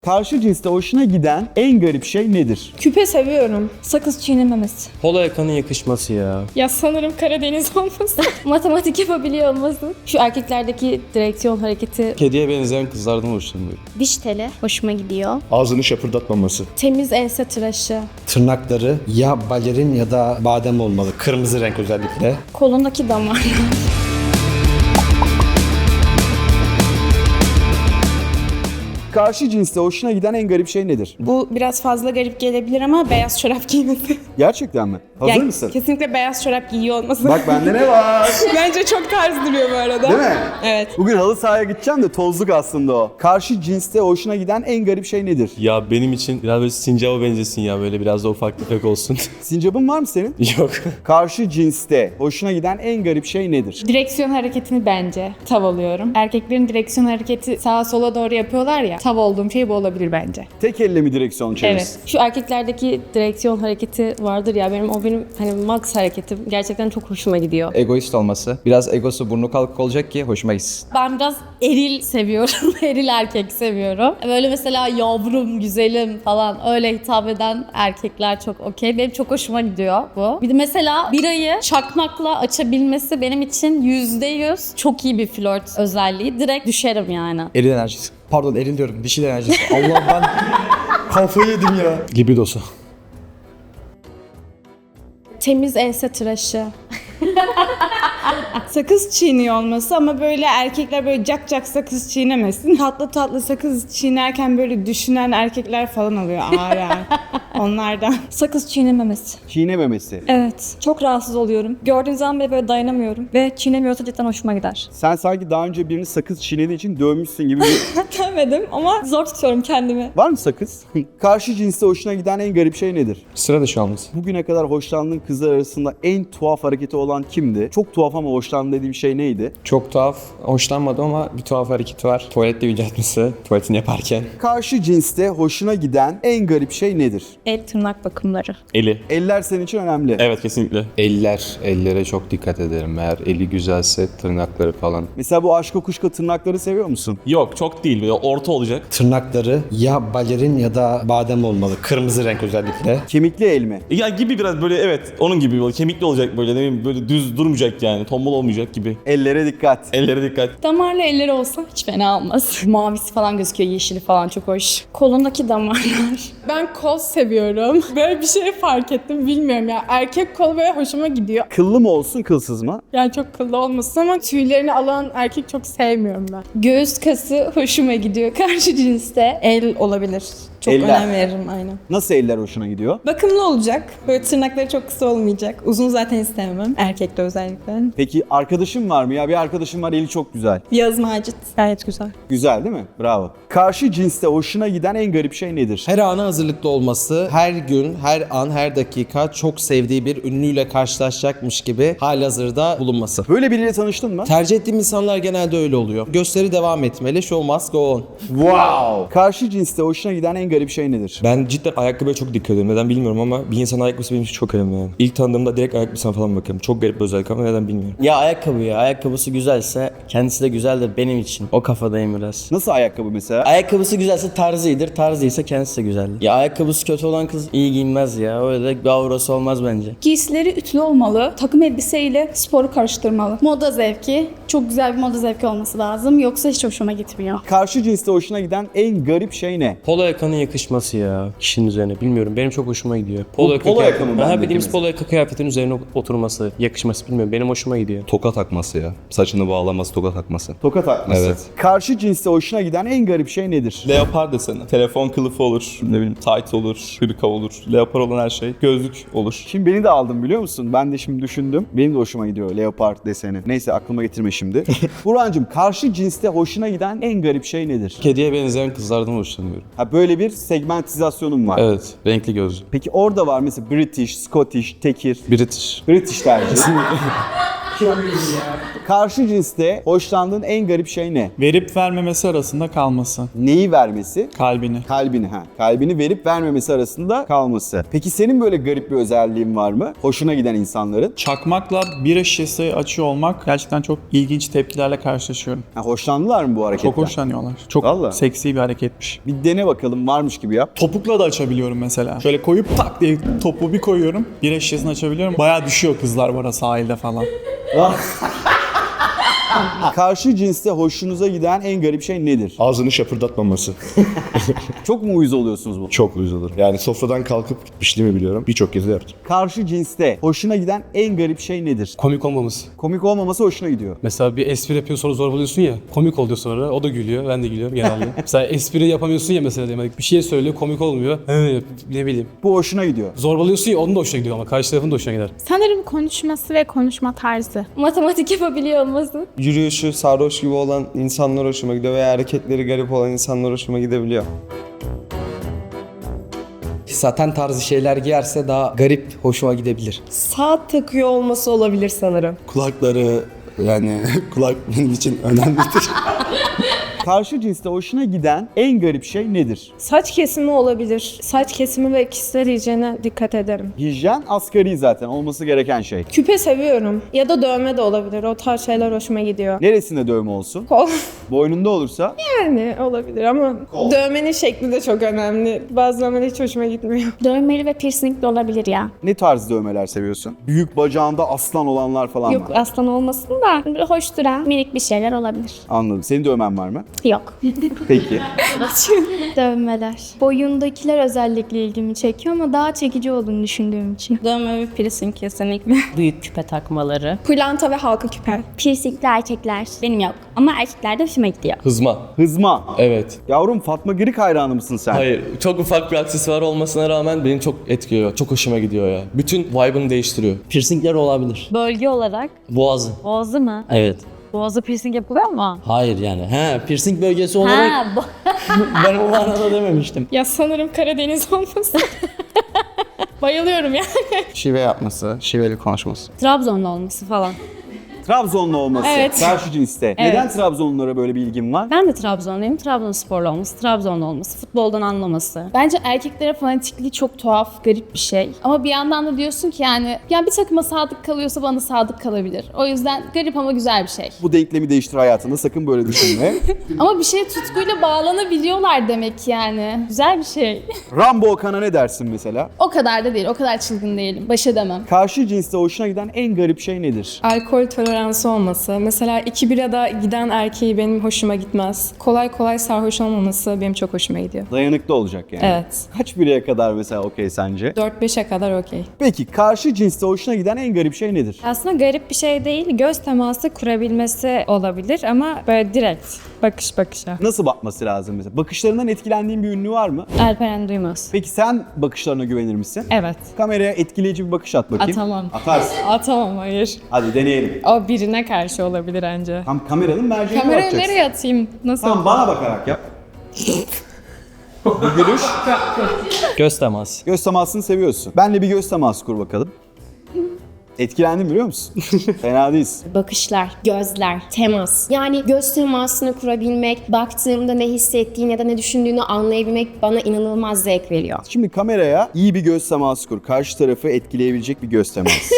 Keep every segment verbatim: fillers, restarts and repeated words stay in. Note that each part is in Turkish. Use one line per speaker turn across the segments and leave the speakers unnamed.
Karşı cinste hoşuna giden en garip şey nedir?
Küpe seviyorum.
Sakız çiğnememesi.
Polo yakanın yakışması ya.
Ya sanırım Karadeniz olması.
Matematik yapabiliyor olması. Şu erkeklerdeki direksiyon hareketi.
Kediye benzeyen kızlardan hoşlanıyorum.
Diş teli hoşuma gidiyor.
Ağzını şapırdatmaması.
Temiz ense tıraşı.
Tırnakları ya balerin ya da badem olmalı. Kırmızı renk özellikle.
Kolundaki damarlar.
Karşı cinste hoşuna giden en garip şey nedir?
Bu biraz fazla garip gelebilir ama beyaz çorap giymesi.
Gerçekten mi? Hazır
Yani
mısın?
Kesinlikle beyaz çorap giyiyor olması.
Bak bende ne var?
Bence çok tarz duruyor bu arada.
Değil mi?
Evet.
Bugün halı sahaya gideceğim de tozluk aslında o. Karşı cinste hoşuna giden en garip şey nedir?
Ya benim için biraz böyle sincaba benzesin ya, böyle biraz da ufak tefek olsun.
Sincapın var mı senin?
Yok.
Karşı cinste hoşuna giden en garip şey nedir?
Direksiyon hareketini bence tav alıyorum. Erkeklerin direksiyon hareketi sağa sola doğru yapıyorlar ya. Tav olduğum şey bu olabilir bence.
Tek elle mi direksiyon çevirirsin?
Evet.
Şu erkeklerdeki direksiyon hareketi vardır ya, benim o benim hani max hareketim. Gerçekten çok hoşuma gidiyor.
Egoist olması. Biraz egosu burnu kalkık olacak ki hoşuma gitsin.
Ben biraz eril seviyorum. Eril erkek seviyorum. Böyle mesela yavrum, güzelim falan öyle hitap eden erkekler çok okey. Benim çok hoşuma gidiyor bu. Bir de mesela birayı çakmakla açabilmesi benim için yüzde yüz çok iyi bir flört özelliği. Direkt düşerim yani.
Eril enerjisi. Pardon eril diyorum. Dişil enerjisi. Allah ben kafayı yedim ya.
Libidosu.
Temiz ense tıraşı. Sakız çiğniyor olması ama böyle erkekler böyle cak cak sakız çiğnemesin. Tatlı tatlı sakız çiğnerken böyle düşünen erkekler falan oluyor ağır ağır. Onlardan.
Sakız çiğnememesi.
Çiğnememesi.
Evet. Çok rahatsız oluyorum. Gördüğüm zaman bile böyle dayanamıyorum. Ve çiğnemiyorsa cidden hoşuma gider.
Sen sanki daha önce birini sakız çiğnediği için dövmüşsün gibi bir...
Demedim ama zor tutuyorum kendimi.
Var mı sakız? Karşı cinste hoşuna giden en garip şey nedir?
Sıra dışı olması.
Bugüne kadar hoşlandığın kızlar arasında en tuhaf hareketi olan kimdi? Çok tuhaf ama hoşlandığın dediğim şey neydi?
Çok tuhaf. Hoşlanmadım ama bir tuhaf hareketi var. Tuvalette yüceltmesi. Tuvaletini yaparken.
Karşı cinste hoşuna giden en garip şey nedir?
El tırnak bakımları.
Eli.
Eller senin için önemli.
Evet, kesinlikle.
Eller, ellere çok dikkat ederim. Eğer eli güzelse tırnakları falan.
Mesela bu aşk kuşka tırnakları seviyor musun?
Yok, çok değil. Böyle orta olacak.
Tırnakları ya balerin ya da badem olmalı. Kırmızı renk özellikle.
Kemikli el mi?
Ya gibi biraz böyle, evet, onun gibi böyle kemikli olacak, böyle ne bileyim, böyle düz durmayacak yani. Tombul olmayacak gibi.
Ellere dikkat.
Ellere dikkat.
Damarlı elleri olsa hiç fena olmaz. Mavisi falan gözüküyor, yeşili falan çok hoş. Kolundaki damarlar. Ben kol seviyorum. Böyle bir şey fark ettim, bilmiyorum ya. Erkek kolu böyle hoşuma gidiyor.
Kıllı mı olsun, kılsız mı?
Yani çok kıllı olmasın ama tüylerini alan erkek çok sevmiyorum ben. Göğüs kası hoşuma gidiyor. Karşı cinste el olabilir. Çok
Eller.
önem veririm aynen.
Nasıl eller hoşuna gidiyor?
Bakımlı olacak. Böyle tırnakları çok kısa olmayacak. Uzun zaten istemem. Erkekte özellikle.
Peki arkadaşın var mı? Ya bir arkadaşım var, eli çok güzel.
Yağız Macit. Gayet güzel.
Güzel değil mi? Bravo. Karşı cinste hoşuna giden en garip şey nedir?
Her ana hazırlıklı olması, her gün, her an, her dakika çok sevdiği bir ünlüyle karşılaşacakmış gibi halihazırda bulunması.
Böyle biriyle tanıştın mı?
Tercih ettiğim insanlar genelde öyle oluyor. Gösteri devam etmeli, show must go on.
Wow. Karşı cinste hoşuna giden en garip şey nedir?
Ben cidden ayakkabıya çok dikkat ediyorum. Neden bilmiyorum ama bir insanın ayakkabısı benim için çok önemli yani. İlk tanıdığımda direkt ayakkabısına falan bakıyorum. Çok garip bir özellik ama neden bilmiyorum.
Ya ayakkabı ya. Ayakkabısı güzelse kendisi de güzeldir benim için. O kafadayım biraz.
Nasıl ayakkabı mesela?
Ayakkabısı güzelse tarzı iyidir. Tarzı ise kendisi de güzeldir. Ya ayakkabısı kötü olan kız iyi giyinmez ya. Öyle de bir aurası olmaz bence.
Giysileri ütülü olmalı. Takım elbiseyle sporu karıştırmalı. Moda zevki. Çok güzel bir moda zevki olması lazım. Yoksa hiç hoşuma gitmiyor.
Karşı cinste hoşuna giden en garip şey ne?
Polo yakanın yakışması ya kişinin üzerine. Bilmiyorum, benim çok hoşuma gidiyor.
Bu polo yaka mı
Aha,
bendeki
bildiğimiz
mesela?
polo yaka kıyafetin üzerine oturması, yakışması, bilmiyorum, benim hoşuma gidiyor.
Toka takması ya. Saçını bağlaması, toka takması.
Toka takması.
Evet.
Karşı cinste hoşuna giden en garip şey nedir?
Leopar deseni. Telefon kılıfı olur, ne bileyim tight olur, hırka olur. Leopar olan her şey. Gözlük olur.
Şimdi beni de aldın biliyor musun? Ben de şimdi düşündüm. Benim de hoşuma gidiyor leopard deseni. Neyse aklıma getirme şimdi. Burhan'cığım karşı cinste hoşuna giden en garip şey nedir?
Kediye benzeyen kızlardan hoşlanıyorum.
Ha böyle bir segmentizasyonum var.
Evet, renkli gözlü.
Peki orada var mesela British, Scottish, Tekir.
British.
British tercih. Karşı cinste hoşlandığın en garip şey ne?
Verip vermemesi arasında kalması.
Neyi vermesi?
Kalbini.
Kalbini ha. Kalbini verip vermemesi arasında kalması. Peki senin böyle garip bir özelliğin var mı? Hoşuna giden insanların.
Çakmakla bira şişesi açıyor olmak gerçekten çok ilginç tepkilerle karşılaşıyorum.
Ha, hoşlandılar mı bu hareketten?
Çok hoşlanıyorlar. Çok
Vallahi.
seksi bir hareketmiş.
Bir dene bakalım, varmış gibi yap.
Topukla da açabiliyorum mesela. Şöyle koyup tak diye topuğu bir koyuyorum. Bira şişesini açabiliyorum. Bayağı düşüyor kızlar bana sahilde falan.
Karşı cinste hoşunuza giden en garip şey nedir?
Ağzını şapırdatmaması.
Çok mu uyuz oluyorsunuz bu?
Çok uyuz olur. Yani sofradan kalkıp gitmişliğimi biliyorum. Birçok kez de yaptım.
Karşı cinste hoşuna giden en garip şey nedir?
Komik olmaması.
Komik olmaması hoşuna gidiyor.
Mesela bir espri yapıyor sonra zorbalıyorsun ya. Komik oluyor sonra. O da gülüyor. Ben de gülüyorum genelde. Mesela espri yapamıyorsun ya mesela demek. Bir şey söylüyor komik olmuyor. He, ne bileyim.
Bu hoşuna gidiyor.
Zorbalıyorsun ya onun da hoşuna gidiyor ama karşı tarafın da hoşuna gider.
Sanırım konuşması ve konuşma tarzı.
Matematik yapabiliyor olması.
Yürüyüşü sarhoş gibi olan insanlar hoşuma gidiyor veya hareketleri garip olan insanlar hoşuma gidebiliyor.
Saten tarzı şeyler giyerse daha garip, hoşuma gidebilir.
Saat takıyor olması olabilir sanırım.
Kulakları yani kulak benim için önemlidir.
Karşı cinste hoşuna giden en garip şey nedir?
Saç kesimi olabilir. Saç kesimi ve kişisel hijyene dikkat ederim.
Hijyen asgari zaten olması gereken şey.
Küpe seviyorum. Ya da dövme de olabilir. O tarz şeyler hoşuma gidiyor.
Neresinde dövme olsun?
Kol.
Boynunda olursa?
Yani olabilir ama dövmenin şekli de çok önemli. Bazı dövmeler hiç hoşuma gitmiyor.
Dövmeli ve piercing de olabilir ya.
Ne tarz dövmeler seviyorsun? Büyük bacağında aslan olanlar falan
Yok
var.
aslan olmasın da böyle hoş duran minik bir şeyler olabilir.
Anladım. Senin dövmen var mı?
Yok.
Peki.
Dövmeler. Boyundakiler özellikle ilgimi çekiyor ama daha çekici olduğunu düşündüğüm için.
Dövme ve piercing kesinlikle.
Büyük küpe takmaları.
Pırlanta ve halka küpe.
Piercingli erkekler. Benim yok. Ama erkeklerde hoşuma gidiyor.
Hızma.
Hızma.
Evet.
Yavrum Fatma Girik hayranı mısın sen?
Hayır. Çok ufak bir aksesuar olmasına rağmen beni çok etkiliyor. Çok hoşuma gidiyor ya. Bütün vibe'ını değiştiriyor.
Piercingler olabilir.
Bölge olarak.
Boğazı.
Boğazı mı?
Evet.
Boğazı piercing yapılıyor mu?
Hayır yani. He, piercing bölgesi olarak
Ha, bo-
ben o manada dememiştim.
Ya sanırım Karadeniz olması. Bayılıyorum ya.
Şive yapması, şiveli konuşması.
Trabzonlu olması falan.
Trabzonlu olması.
Evet.
Karşı cinste. Neden Trabzonlulara böyle bir ilgin var?
Ben de Trabzonluyum. Trabzonsporlu olması, Trabzonlu olması, futboldan anlaması.
Bence erkeklere fanatikliği çok tuhaf, garip bir şey. Ama bir yandan da diyorsun ki yani, yani bir takıma sadık kalıyorsa bana sadık kalabilir. O yüzden garip ama güzel bir şey.
Bu denklemi değiştir hayatında. Sakın böyle düşünme.
Ama bir şeye tutkuyla bağlanabiliyorlar demek yani. Güzel bir şey.
Rambo Okan'a ne dersin mesela?
O kadar da değil, o kadar çılgın değilim. Baş edemem.
Karşı cinste hoşuna giden en garip şey nedir?
Alkol toleransı olması. Mesela iki birada giden erkeği benim hoşuma gitmez. Kolay kolay sarhoş olmaması benim çok hoşuma gidiyor.
Dayanıklı olacak yani.
Evet.
Kaç bireye kadar mesela okey sence?
dört beşe kadar okey.
Peki karşı cinste hoşuna giden en garip şey nedir?
Aslında garip bir şey değil, göz teması kurabilmesi olabilir ama böyle direkt bakış bakışa.
Nasıl bakması lazım mesela? Bakışlarından etkilendiğin bir ünlü var mı?
Alperen Duymaz.
Peki sen bakışlarına güvenir misin?
Evet.
Kameraya etkileyici bir bakış at bakayım.
Atamam.
Atarsın.
Atamam, hayır.
Hadi deneyelim.
O birine karşı olabilir anca.
Tam kameranın merceğine
Kamerayı
bakacaksın.
nereye atayım? Nasıl?
Tamam bana bakarak yap. Bu gülüş.
Göz teması.
Göz temasını seviyorsun. Benle bir göz teması kur bakalım. Etkilendim biliyor musun? Fena değilsin.
Bakışlar, gözler, temas. Yani göz temasını kurabilmek, baktığımda ne hissettiğini ya da ne düşündüğünü anlayabilmek bana inanılmaz zevk veriyor.
Şimdi kameraya iyi bir göz teması kur. Karşı tarafı etkileyebilecek bir göz teması.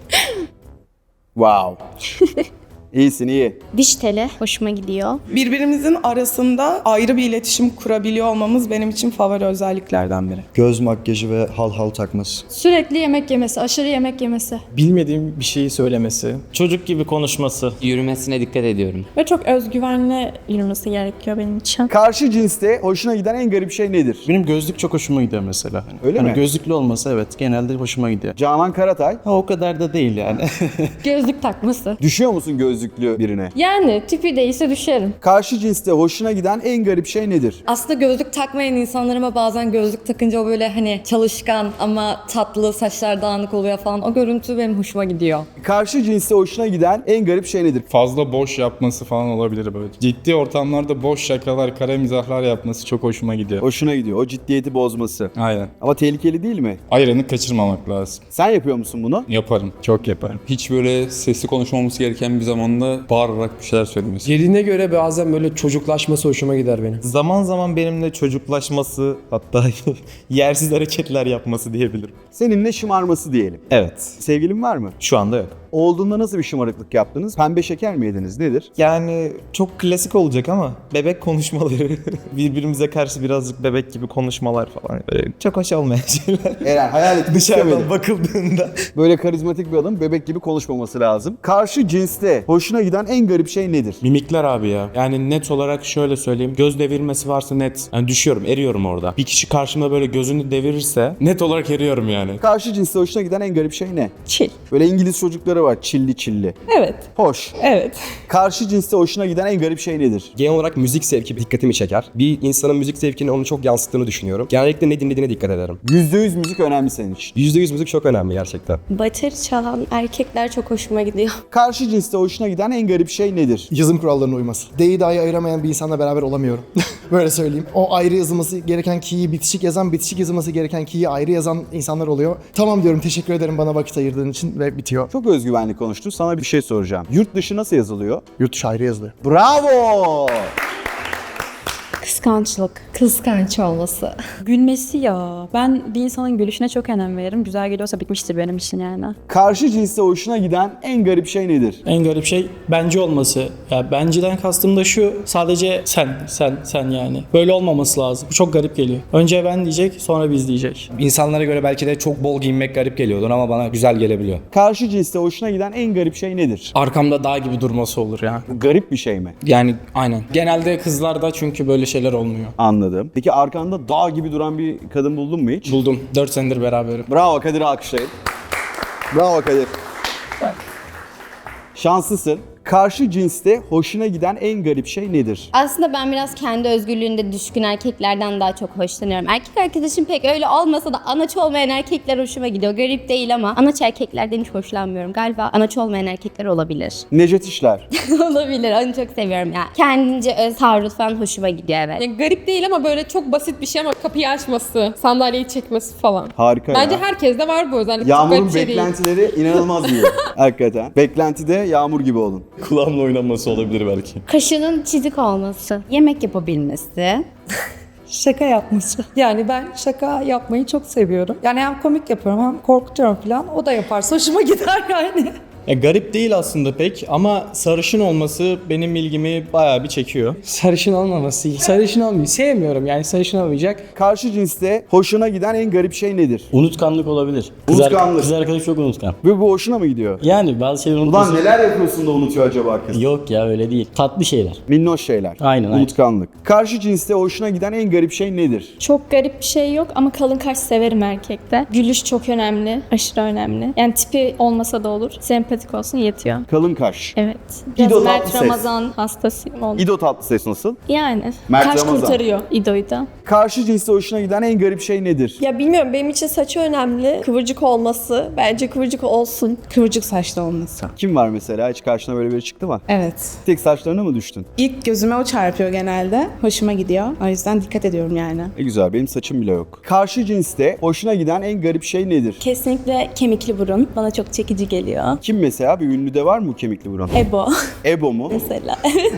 Wow. İyisin iyi.
Diş teli hoşuma gidiyor.
Birbirimizin arasında ayrı bir iletişim kurabiliyor olmamız benim için favori özelliklerden biri.
Göz makyajı ve hal hal takması.
Sürekli yemek yemesi, aşırı yemek yemesi.
Bilmediğim bir şeyi söylemesi.
Çocuk gibi konuşması.
Yürümesine dikkat ediyorum.
Ve çok özgüvenli yürümesi gerekiyor benim için.
Karşı cinste hoşuna giden en garip şey nedir?
Benim gözlük çok hoşuma gidiyor mesela. Hani,
Öyle
hani
mi?
Gözlüklü olması evet genelde hoşuma gidiyor.
Canan Karatay.
Ha o kadar da değil yani.
Gözlük takması.
Düşüyor musun gözlüklü birine?
Yani tipi değilse düşerim.
Karşı cinste hoşuna giden en garip şey nedir?
Aslında gözlük takmayan insanlar ama bazen gözlük takınca o böyle hani çalışkan ama tatlı, saçlar dağınık oluyor falan. O görüntü benim hoşuma gidiyor.
Karşı cinste hoşuna giden en garip şey nedir?
Fazla boş yapması falan olabilir böyle. Ciddi ortamlarda boş şakalar, kara mizahlar yapması çok hoşuma gidiyor.
Hoşuna gidiyor. O ciddiyeti bozması.
Aynen.
Ama tehlikeli değil mi?
Ayrını kaçırmamak lazım.
Sen yapıyor musun bunu?
Yaparım. Çok yaparım.
Hiç böyle sesli konuşmamamız gereken bir zamanda anda bağırarak bir şeyler söylemesi.
Yerine göre bazen böyle çocuklaşması hoşuma gider benim.
Zaman zaman benimle çocuklaşması, hatta yersiz hareketler yapması diyebilirim.
Seninle şımarması diyelim.
Evet.
Sevgilin var mı?
Şu anda yok.
Olduğunda nasıl bir şımarıklık yaptınız? Pembe şeker mi yediniz? Nedir?
Yani çok klasik olacak ama bebek konuşmaları, birbirimize karşı birazcık bebek gibi konuşmalar falan. Böyle çok hoş olmayan şeyler.
Eğer hayal etmek istemedim.
Dışarıdan bakıldığında.
Böyle karizmatik bir adam bebek gibi konuşmaması lazım. Karşı cinste hoşuna giden en garip şey nedir?
Mimikler abi ya. Yani net olarak şöyle söyleyeyim. Göz devirmesi varsa net. Yani düşüyorum, eriyorum orada. Bir kişi karşımda böyle gözünü devirirse net olarak eriyorum yani.
Karşı cinste hoşuna giden en garip şey ne?
Çil.
Böyle İngiliz çocukları var, çilli çilli.
Evet.
Hoş.
Evet.
Karşı cinste hoşuna giden en garip şey nedir?
Genel olarak müzik zevki dikkatimi çeker. Bir insanın müzik zevkini onu çok yansıttığını düşünüyorum. Genellikle ne dinlediğine dikkat ederim.
yüzde yüz müzik önemli senin için.
yüzde yüz müzik çok önemli gerçekten.
Bateri çalan erkekler çok hoşuma gidiyor.
Karşı cinste hoşuna giden en garip şey nedir?
Yazım kurallarına uyması. D'yi dahi ayıramayan bir insanla beraber olamıyorum. Böyle söyleyeyim. O ayrı yazılması gereken key'i bitişik yazan, bitişik yazılması gereken key'i ayrı yazan insanlar oluyor. Tamam diyorum, teşekkür ederim bana vakit ayırdığın için ve bitiyor.
Çok özgüvenli konuştun. Sana bir şey soracağım. Yurt dışı nasıl yazılıyor?
Yurt dışı ayrı yazılıyor.
Bravo!
Kıskançlık.
Kıskanç olması.
Gülmesi ya. Ben bir insanın gülüşüne çok önem veririm. Güzel geliyorsa bitmiştir benim için yani.
Karşı cinste hoşuna giden en garip şey nedir?
En garip şey bence olması. Ya benceden kastım da şu, sadece sen, sen, sen yani. Böyle olmaması lazım. Bu çok garip geliyor. Önce ben diyecek, sonra biz diyecek.
İnsanlara göre belki de çok bol giyinmek garip geliyordur ama bana güzel gelebiliyor.
Karşı cinste hoşuna giden en garip şey nedir?
Arkamda dağ gibi durması olur ya.
Garip bir şey mi?
Yani aynen. Genelde kızlarda çünkü böyle şeyler olmuyor.
Anladım. Peki arkanda dağ gibi duran bir kadın buldun mu hiç?
Buldum. dört senedir beraberim.
Bravo, Kadir'i alkışlayın. Bravo Kadir. Şanslısın. Karşı cinste hoşuna giden en garip şey nedir?
Aslında ben biraz kendi özgürlüğünde düşkün erkeklerden daha çok hoşlanıyorum. Erkek arkadaşım pek öyle olmasa da anaç olmayan erkekler hoşuma gidiyor. Garip değil ama anaç erkeklerden hiç hoşlanmıyorum. Galiba anaç olmayan erkekler olabilir.
Necdet İşler.
Olabilir. Onu çok seviyorum ya. Kendince öz taarruz falan hoşuma gidiyor, evet.
Yani garip değil ama böyle çok basit bir şey ama kapıyı açması, sandalyeyi çekmesi falan.
Harika
Bence
ya.
herkeste var bu özellik. Çok
Yağmur'un
garip bir şey değil.
beklentileri inanılmaz iyi. Hakikaten. Beklentide Yağmur gibi olun.
Kulağımla oynanması olabilir belki.
Kaşının çizik olması, yemek yapabilmesi.
Şaka yapması. Yani ben şaka yapmayı çok seviyorum. Yani hem komik yapıyorum hem korkutuyorum falan. O da yaparsa hoşuma gider yani.
Ya garip değil aslında pek ama sarışın olması benim ilgimi bayağı bir çekiyor.
Sarışın olmaması iyi. Sarışın olmayı sevmiyorum yani, sarışın olmayacak.
Karşı cinste hoşuna giden en garip şey nedir?
Unutkanlık olabilir. Kız,
Unutkanlık.
ar- kız arkadaş çok unutkan.
Ve bu hoşuna mı gidiyor?
Yani bazı şeyleri unutması...
Ulan neler yapıyorsun da unutuyor acaba kız?
Yok ya, öyle değil. Tatlı şeyler.
Minnoş şeyler.
Aynen, aynen.
Unutkanlık. Karşı cinste hoşuna giden en garip şey nedir?
Çok garip bir şey yok ama kalın kaş severim erkekte. Gülüş çok önemli, aşırı önemli. Yani tipi olmasa da olur, sempatik olsun yetiyor.
Kalın kaş.
Evet.
İdo
Biraz Mert
Tatlıses.
Ramazan hastasıyım oldu.
İdo Tatlıses nasıl?
Yani.
Mert
kaş
Ramazan.
kurtarıyor İdo'yu da.
Karşı cinste hoşuna giden en garip şey nedir?
Ya bilmiyorum, benim için saçı önemli. Kıvırcık olması. Bence kıvırcık olsun.
Kıvırcık saçlı olması.
Kim var mesela? Hiç karşına böyle biri çıktı mı?
Evet.
Tek saçlarına mı düştün?
İlk gözüme o çarpıyor genelde. Hoşuma gidiyor. O yüzden dikkat ediyorum yani.
E güzel, benim saçım bile yok. Karşı cinste hoşuna giden en garip şey nedir?
Kesinlikle kemikli burun. Bana çok çekici geliyor.
Kim mesela? Bir ünlüde var mı bu kemikli burun?
Ebo
Ebo mu?
mesela.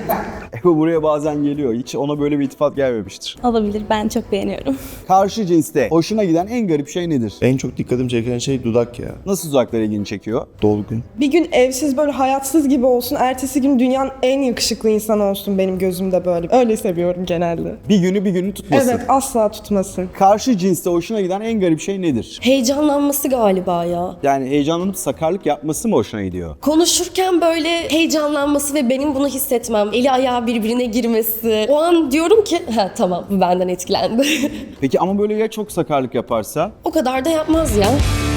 Ebo buraya bazen geliyor. Hiç ona böyle bir iltifat gelmemiştir.
Olabilir. Ben çok beğeniyorum.
Karşı cinste hoşuna giden en garip şey nedir?
En çok dikkatimi çeken şey dudak ya.
Nasıl dudaklar ilgini çekiyor?
Dolgun.
Bir gün evsiz böyle hayatsız gibi olsun. Ertesi gün dünyanın en yakışıklı insanı olsun benim gözümde böyle. Öyle seviyorum genelde.
Bir günü bir günü tutmasın.
Evet, asla tutmasın.
Karşı cinste hoşuna giden en garip şey nedir?
Heyecanlanması galiba ya.
Yani heyecanlanıp sakarlık yapması mı hoşuna gidiyor?
Konuşurken böyle heyecanlanması ve benim bunu hissetmem. Eli ayağı birbirine girmesi. O an diyorum ki ha tamam, bu benden etkilendi.
Peki ama böyle ya çok sakarlık yaparsa?
O kadar da yapmaz ya.